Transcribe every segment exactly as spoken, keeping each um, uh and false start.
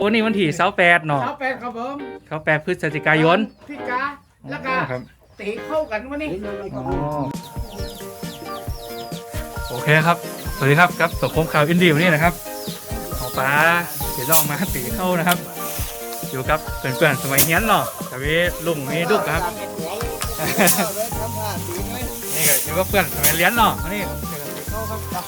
โอ้นี่วันที่เสาร์แปดเนาะเสาแปดครับผมเสาร์แปดพฤศจิกายนพี่กาแล้วก็ตีเข้ากันวันนี้โอเคครับสวัสดีครับกับสังคมข่าวอินดี้วันนี้นะครับของป้าเดี๋ยวลองมาตีเข้านะครับอยู่กับเพื่อนๆสมัยเฮียนเนาะแต่วิลุงมีดุกครับนี่ก็อยู่กับเพื่อนสมัยเรียนเนาะนี่ตีเข้าครับ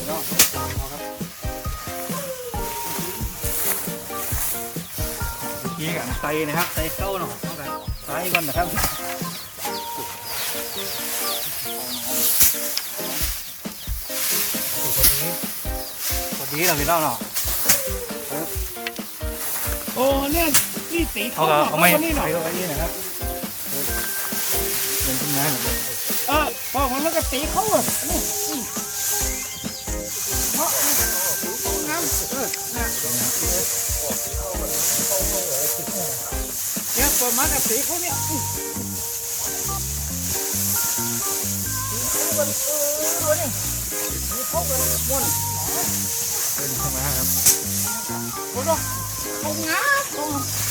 นี่กันใส่นะครับใส่เข้าเนาะใส่ก่อนนะครับพอดีเราพี่น้องเนาะโอ้เนี่ยนี่ตีเขาก็เอาไม่ใส่เข้าไปนี่นะครับเป็นขึ้นมาเออพอมันแล้วก็ตีเข้าอ่ะนี่เพราะน้ำเออนะเนี่ยประมาณกับตีเขาเนี่ยมันเออนี่เขาเป็นม้วนเป็นขึ้นมาครับโอ้โหเขางับเขา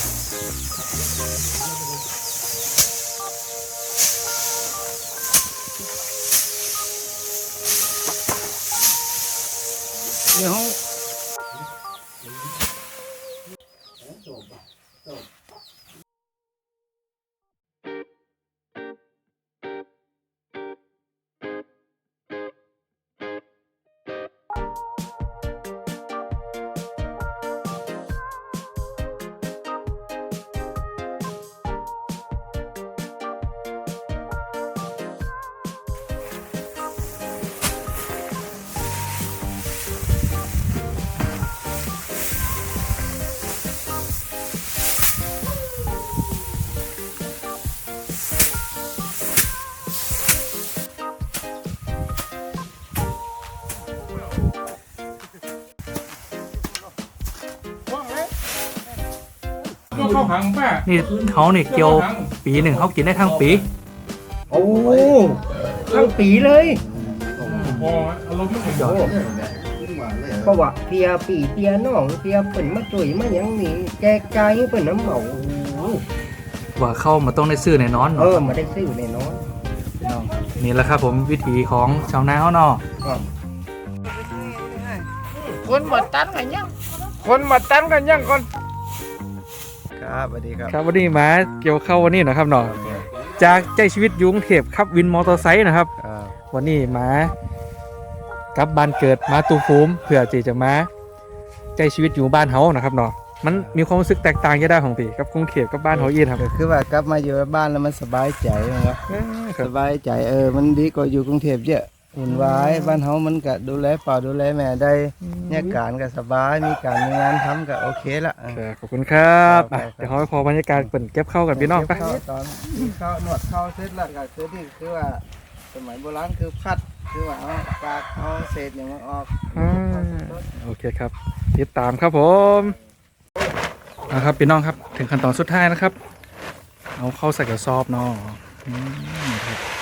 เดี๋ยวนี่เขาเนี่ยเกี่ยวปีหนึ่งเขากินได้ทั้งปีโอ้ทั้งปีเลยเพราะว่าเพียปีเพียน้องเพียเปิ่นมาจุ๋ยมาอย่างนี้แจกจ่ายให้เปิ่นน้ำเหมาว่าเข้ามาต้องได้ซื้อในนอนเออมาได้ซื้อในนอนนี่แหละครับผมวิธีของชาวนาเขาเนาะคนมาตันกันยังคนมาตันกันยังคนครับสวัสดีครับครับวันนี้มาเกี่ยวเข้าวันนี้นะครับเนาะจากใจชีวิตยุงเทพครับวินมอเตอร์ไซค์นะครับวันนี้มากลับบ้านเกิดมาตูฟูมเพื่อที่จะมาใจชีวิตอยู่บ้านเฮานะครับเนาะมันมีความรู้สึกแตกต่างกันได้ของพี่กับกรุงเทพกับบ้านเฮาอีกครับคือว่ากลับมาอยู่บ้านแล้วมันสบายใจนะครับสบายใจเออมันดีกว่าอยู่กรุงเทพเยอะหุ่นวายบ้านเฮามันก็ดูแลป่าดูแลแม่ได้เนี่ยการก็สบายมีการมีงานทำก็โอเคละขอบคุณครับเดี๋ยวเขาพอบรรยากาศเปิดเก็บเข้ากันพี่น้องไปตอนเข้าหนวดเข้าเสร็จแล้วก็คือนี่คือว่าสมัยโบราณคือพัดคือว่าเอากากเอาเศษอย่างมันออกโอเคครับติดตามครับผมนะครับพี่น้องครับถึงขั้นตอนสุดท้ายนะครับเอาเข้าใส่กระสอบเนาะ